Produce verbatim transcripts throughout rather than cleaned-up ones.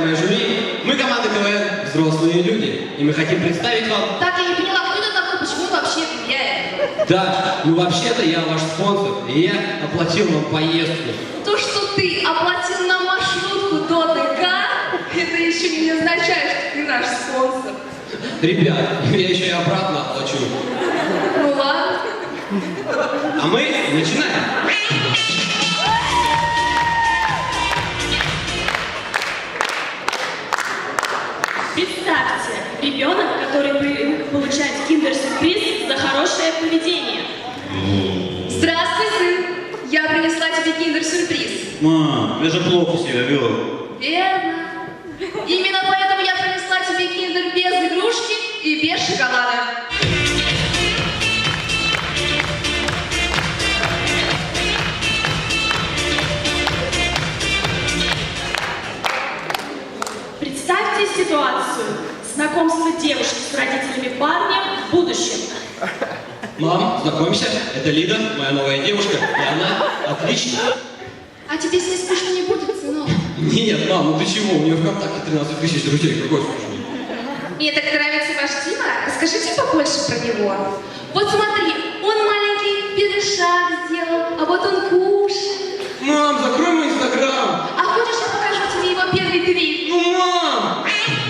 уважаемые жюри, мы команда КВН «Взрослые люди», и мы хотим представить вам... Так, я не поняла, кто это такой, почему он вообще влияет? Да, ну вообще-то я ваш спонсор, и я оплатил вам поездку. То, что ты оплатил нам маршрутку до ДК, это еще не означает, что ты наш спонсор. Ребят, я еще и обратно оплачу. Ну ладно. А мы начинаем. Представьте, ребенок, который привык получать киндер-сюрприз за хорошее поведение. Здравствуй, сын. Я принесла тебе киндер-сюрприз. Мам, я же плохо себя вел. Верно. Именно поэтому я принесла тебе киндер без игрушки и без шоколада. Представьте ситуацию. Знакомство девушки с родителями парня в будущем. Мам, знакомься, это Лида, моя новая девушка, и она отличная. А тебе с ней скучно не будет, сынок? Нет, мам, ну ты чего? У нее ВКонтакте тринадцать тысяч друзей, какой скучный. Мне так нравится ваш Дима. Расскажите побольше про него. Вот смотри, он маленький первый шаг сделал, а вот он кушает. Мам, закрой мой инстаграм! А хочешь, я покажу тебе его первый трик? Ну, мам!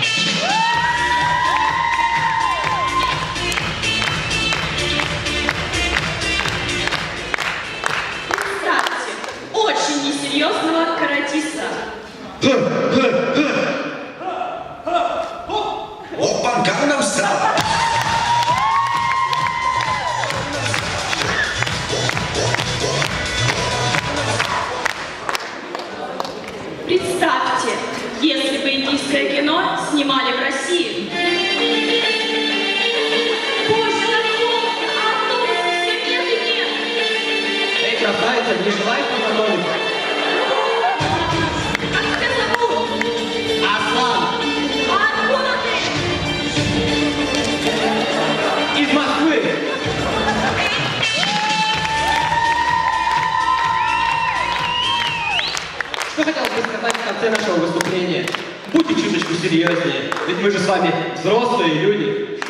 Представьте, очень несерьезного каратиста. Опа, Gangnam Style! Представьте, если бы индийское кино снимали в России. Боже, Наркомка, а автобусов все нет и нет. Эй, красавица, не желаешь познакомиться? Как тебя зовут? Аслан! А откуда ты? Из Москвы! Что хотелось бы сказать в конце нашего выступления? Будьте чуточку серьезнее, ведь мы же с вами взрослые люди.